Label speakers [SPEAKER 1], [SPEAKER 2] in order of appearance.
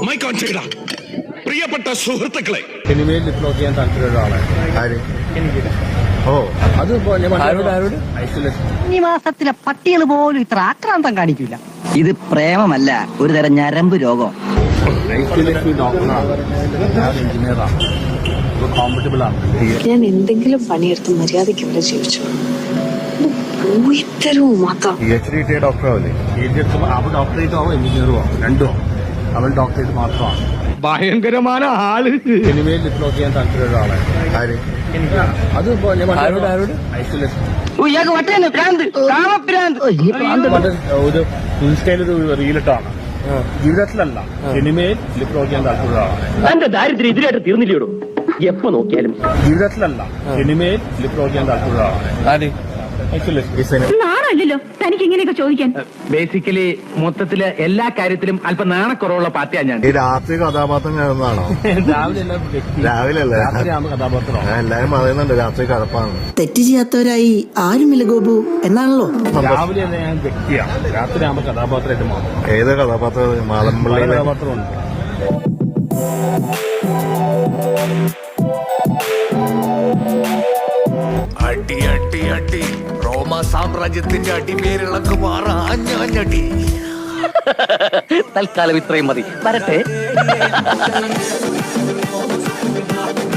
[SPEAKER 1] പ്രിയപ്പെട്ട സുഹൃത്തുക്കളെ,
[SPEAKER 2] സിനിമയിൽ ഡിപ്ലോട്ട് ചെയ്യാൻ താല്പര്യമുള്ള ആളാണ്. അത്
[SPEAKER 3] ഈ മാസത്തിലെ പട്ടികൾ പോലും ഇത്ര ആക്രാന്തം കാണിക്കില്ല. ഇത് പ്രേമമല്ല, ഒരു തരം ഞരമ്പ് രോഗം.
[SPEAKER 4] ഞാൻ എന്തെങ്കിലും പണിയെടുത്ത് മര്യാദയ്ക്ക് ഇവിടെ ജീവിച്ചു. പോയിത്തരവും മാത്രം
[SPEAKER 2] ഡോക്ടറേറ്റ് ആവും, എഞ്ചിനീയറും ആവും, രണ്ടും ആവും. അവൾ ഡോക്ടറേറ്റ് മാത്രമാണ്.
[SPEAKER 5] ഭയങ്കരമായ ആള്.
[SPEAKER 2] സിനിമയിൽ ഡിപ്ലോട്ട് ചെയ്യാൻ താല്പര്യമുള്ള ആളാണ്. അത് ഒരു ഇൻസ്റ്റയിലൊരു റീലിട്ടാണ്. ജീവിതത്തിലല്ല, സിനിമയിൽ ഡിപ്ലോട്ട് ചെയ്യാൻ താല്പര്യമുള്ള ആളാണ്.
[SPEAKER 5] എന്റെ ദാരിദ്ര്യം ഇതിലായിട്ട് തീർന്നില്ലയോടും. എപ്പോ നോക്കിയാലും
[SPEAKER 2] ജീവിതത്തിലല്ല, സിനിമയിൽ ഡിപ്ലോട്ട് ചെയ്യാൻ താല്പര്യമുള്ള ആളാണ്.
[SPEAKER 4] നാണല്ലോ തനിക്ക് ഇങ്ങനെയൊക്കെ ചോദിക്കാൻ.
[SPEAKER 5] ബേസിക്കലി മൊത്തത്തില് എല്ലാ കാര്യത്തിലും അല്പം നാണക്കുറവുള്ള പാർട്ടിയാണ് ഞാൻ.
[SPEAKER 6] ഈ രാത്രി കഥാപാത്രം കാണുന്നതാണോ? രാവിലെ അല്ലേ?
[SPEAKER 2] കഥാപാത്രം
[SPEAKER 6] എല്ലാരും പറയുന്നുണ്ട് രാത്രി കടപ്പാണ്.
[SPEAKER 7] തെറ്റ് ചെയ്യാത്തവരായി ആരുമില്ല ഗോപു എന്നാണല്ലോ.
[SPEAKER 2] രാവിലെ ഞാൻ വ്യക്തിയാണ്, രാത്രി ആകുമ്പോ കഥാപാത്രമായിട്ട് മാറും.
[SPEAKER 6] ഏത് കഥാപാത്രം? മാതമ്പള്ളി
[SPEAKER 2] കഥാപാത്രമുണ്ട്.
[SPEAKER 1] അടി അടി അടി, റോമ സാമ്രാജ്യത്തിന്റെ അടിമേരിളക്ക് മാറാഞ്ഞടി.
[SPEAKER 3] തൽക്കാലം ഇത്രയും മതി. വരട്ടെ.